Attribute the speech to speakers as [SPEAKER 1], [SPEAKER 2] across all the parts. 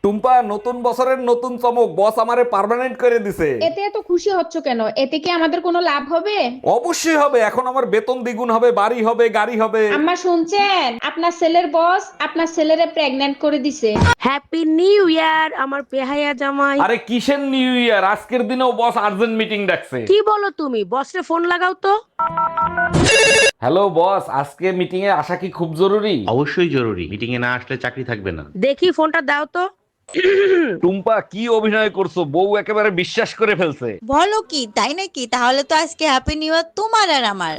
[SPEAKER 1] টুম্পা, নতুন বছরের নতুন চমক, বস আমারে পার্মানেন্ট করে দিছে।
[SPEAKER 2] এতে এত খুশি হচ্ছ কেন? এতে কি আমাদের কোনো লাভ হবে?
[SPEAKER 1] অবশ্যই হবে, এখন আমার বেতন দ্বিগুণ হবে, বাড়ি হবে, গাড়ি হবে।
[SPEAKER 2] আম্মা শুনছেন, আপনার ছেলের বস আপনার ছেলেরে প্রেগন্যান্ট করে দিছে।
[SPEAKER 3] হ্যাপি নিউ ইয়ার আমার পেহাইয়া জামাই।
[SPEAKER 1] আরে কিসের নিউ ইয়ার, আজকের দিনেও বস আর্জেন্ট মিটিং ডাকছে।
[SPEAKER 3] কি বলো তুমি? বসরে ফোন লাগাও তো।
[SPEAKER 1] হ্যালো বস, আজকে মিটিং এ আসা কি খুব জরুরি?
[SPEAKER 4] অবশ্যই জরুরি, মিটিং এ না আসলে চাকরি থাকবে না।
[SPEAKER 3] দেখি ফোনটা দাও তো।
[SPEAKER 1] টুম্পা, কি অভিনয় করছো, বউ একেবারে বিশ্বাস করে ফেলছে।
[SPEAKER 5] বলো কি, তাই নাকি? তাহলে তো আজকে হ্যাপি নিউ ইয়ার তোমার আর আমার।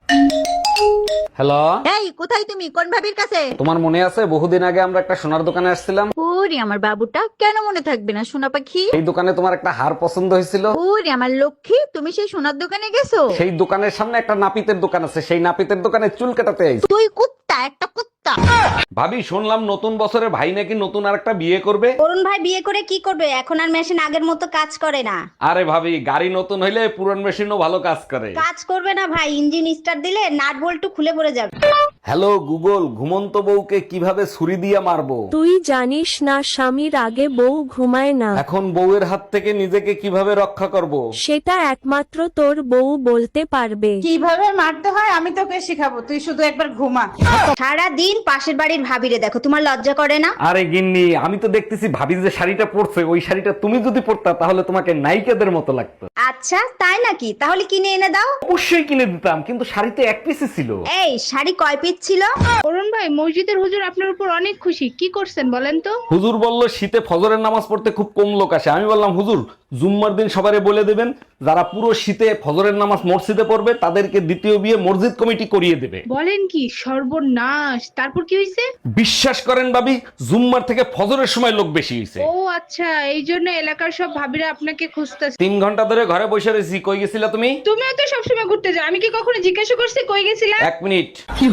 [SPEAKER 1] হ্যালো,
[SPEAKER 5] এই কোথায় তুমি? কোন ভাবির কাছে?
[SPEAKER 1] তোমার মনে আছে বহুদিন আগে আমরা একটা সোনার দোকানে আসছিলাম?
[SPEAKER 5] ওরে আমার বাবুটা, কেন মনে থাকবে না সোনা পাখি?
[SPEAKER 1] এই দোকানে তোমার একটা হার পছন্দ হয়েছিল।
[SPEAKER 5] ওরে আমার লক্ষ্মী, তুমি সেই সোনার দোকানে গেছো?
[SPEAKER 1] সেই দোকানের সামনে একটা নাপিতের দোকান আছে, সেই নাপিতের দোকানে চুল কাটাতে আইছি।
[SPEAKER 5] তুই কুত্তা, একটা কুত্তা।
[SPEAKER 1] ভাবি, শুনলাম নতুন বছরে ভাই নাকি নতুন আরেকটা বিয়ে করবে।
[SPEAKER 6] অরুণ ভাই বিয়ে করে কি করবে? এখন আর মেশিন আগের মতো কাজ করে না।
[SPEAKER 1] আরে ভাবি, গাড়ি নতুন হইলে পুরান মেশিনও ভালো কাজ করে।
[SPEAKER 6] কাজ করবে না ভাই, ইঞ্জিন স্টার্ট দিলে নাট বল্টু খুলে পড়ে যাবে।
[SPEAKER 1] হ্যালো গুগল, ঘুমন্ত বউকে কিভাবে ছুরি দিয়ে মারবো?
[SPEAKER 3] তুই জানিস না স্বামীর আগে বউ ঘুমায় না?
[SPEAKER 1] এখন বউয়ের হাত থেকে নিজেকে কিভাবে রক্ষা করব?
[SPEAKER 3] সেটা একমাত্র তোর বউ বলতে পারবে।
[SPEAKER 7] কিভাবে মারতে হয় আমি তোকে শিখাবো, তুই শুধু একবার ঘুমা।
[SPEAKER 6] সারা দিন পাশের বাড়ির ভাবিরে দেখো, তোমার লজ্জা করে না?
[SPEAKER 1] আরে গিন্নি, আমি তো দেখতেছি ভাবি যে শাড়িটা পরছে, ওই শাড়িটা তুমি যদি পরতা তাহলে তোমাকে নায়িকাদের মতো লাগতো।
[SPEAKER 6] আচ্ছা তাই নাকি? তাহলে কিনে এনে দাও।
[SPEAKER 1] অবশ্যই কিনে দিতাম, কিন্তু শাড়িতে এক পিসই ছিল।
[SPEAKER 6] এই শাড়ি কয় পিস ছিল?
[SPEAKER 2] অরুণ ভাই, মসজিদের হুজুর আপনার উপর অনেক খুশি, কি করছেন বলেন তো?
[SPEAKER 1] হুজুর বলল শীতে ফজরের নামাজ পড়তে খুব কম লোক আসে। আমি বললাম হুজুর, জুম্মার দিন সবারে বলে দেবেন যারা পুরো শীতে ফজরের নামাজ মসজিদে পড়বে তাদেরকে দ্বিতীয় বিয়ে মসজিদ কমিটি করিয়ে দেবে।
[SPEAKER 2] বলেন কি? সর্বনাশ! তারপর কি হয়েছে?
[SPEAKER 1] বিশ্বাস করেন ভাবি, জুম্মার থেকে ফজরের সময় লোক বেশি হয়েছে।
[SPEAKER 2] ও আচ্ছা, এই জন্য এলাকার সব ভাবিরা আপনাকে খুঁজতেছে।
[SPEAKER 1] 3 ঘন্টা ধরে ঘরে বসে রয়েছি। কই গেছিলা তুমি?
[SPEAKER 2] তুমিও তো সবসময় ঘুরতে যাও, আমি কি কখনো জিজ্ঞাসা করছি কই গেছিলা?
[SPEAKER 1] 1 মিনিট।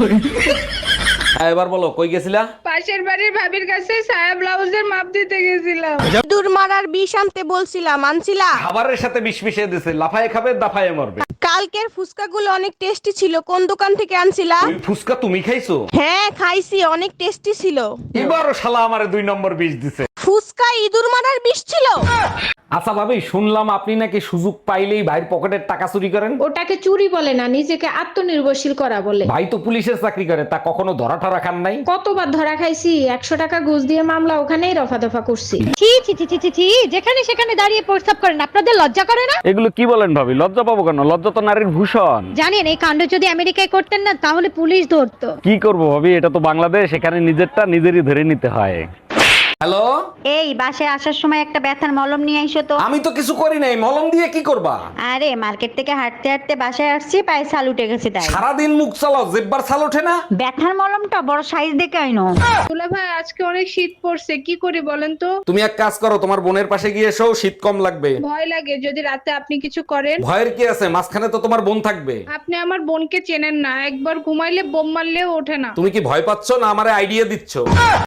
[SPEAKER 1] হ্যাঁ, এবার বলো কই গেছিলা?
[SPEAKER 2] পাশের বাড়ির ভাবির কাছে সায়া ব্লাউজের মাপ দিতে গেছিলাম।
[SPEAKER 3] দূর মারার বিষ আনতে বলছিলাম, আনছিলা?
[SPEAKER 1] খাবারের সাথে বিষ মিশিয়ে দিছে, লাফায়ে খাবে দাফায়ে মরবে।
[SPEAKER 3] কালকের ফুচকাগুলো অনেক টেস্টি ছিল, কোন দোকান থেকে আনছিলা?
[SPEAKER 1] ওই ফুসকা তুমি খাইছো?
[SPEAKER 3] হ্যাঁ খাইছি, অনেক টেস্টি ছিল।
[SPEAKER 1] এবারও শালা আমারে 2 নম্বর বিষ দিছে।
[SPEAKER 3] ফুচকা ইঁদুর মারার বিষ ছিল।
[SPEAKER 1] আচ্ছা ভাবি, শুনলাম আপনি নাকি সুযোগ পাইলেই ভাইয়ের পকেটের টাকা চুরি করেন।
[SPEAKER 2] ওটাকে চুরি বলে না, নিজেকে আত্মনির্ভরশীল করা বলে।
[SPEAKER 1] ভাই তো পুলিশের চাকরি করে, তা কখনো ধরা ঠরা খান নাই?
[SPEAKER 2] কতবার ধরা খাইছি, 100 টাকা ঘুষ দিয়ে মামলা ওখানেই রফা দফা করছি।
[SPEAKER 6] ছি ছি ছি ছি ছি, যেখানে সেখানে দাঁড়িয়ে প্রস্তাব করেন, আপনাদের লজ্জা করে না?
[SPEAKER 1] এগুলো কি বলেন ভাবি? লজ্জা পাবো কেন? লজ্জা তো নারীর ভূষণ।
[SPEAKER 6] জানেন এই কাণ্ড যদি আমেরিকায় করতেন না তাহলে পুলিশ ধরতো।
[SPEAKER 1] কি করবো ভাবি, এটা তো বাংলাদেশ, এখানে নিজেরটা নিজেরই ধরে নিতে হয়। হ্যালো,
[SPEAKER 6] এই বাসায় আসার সময় একটা ব্যথার মলম নিয়ে আইসো তো।
[SPEAKER 1] আমি তো কিছু করি নাই, মলম দিয়ে কি করবা?
[SPEAKER 6] আরে মার্কেট থেকে হাঁটতে হাঁটতে বাসায় আসছি, পায়ে ছাল উঠে গেছে তাই।
[SPEAKER 1] সারাদিন মুখ চালাও, জেব্বার ছাল ওঠে না?
[SPEAKER 6] ব্যথার মলমটা বড় সাইজ দেখে আইনো।
[SPEAKER 2] দুলা ভাই, আজকে অনেক শীত পড়ছে, কি করি বলেন তো?
[SPEAKER 1] তুমি এক কাজ করো, তোমার বোনের পাশে গিয়ে এসো, শীত কম লাগবে।
[SPEAKER 2] ভয় লাগে যদি রাতে আপনি কিছু করেন।
[SPEAKER 1] ভয়ের কি আছে, মাঝখানে তো তোমার বোন থাকবে।
[SPEAKER 2] আপনি আমার বোনকে চেনেন না, একবার ঘুমাইলে বোম মারলেও ওঠে না।
[SPEAKER 1] তুমি কি ভয় পাচ্ছ না আমারে আইডিয়া দিচ্ছ?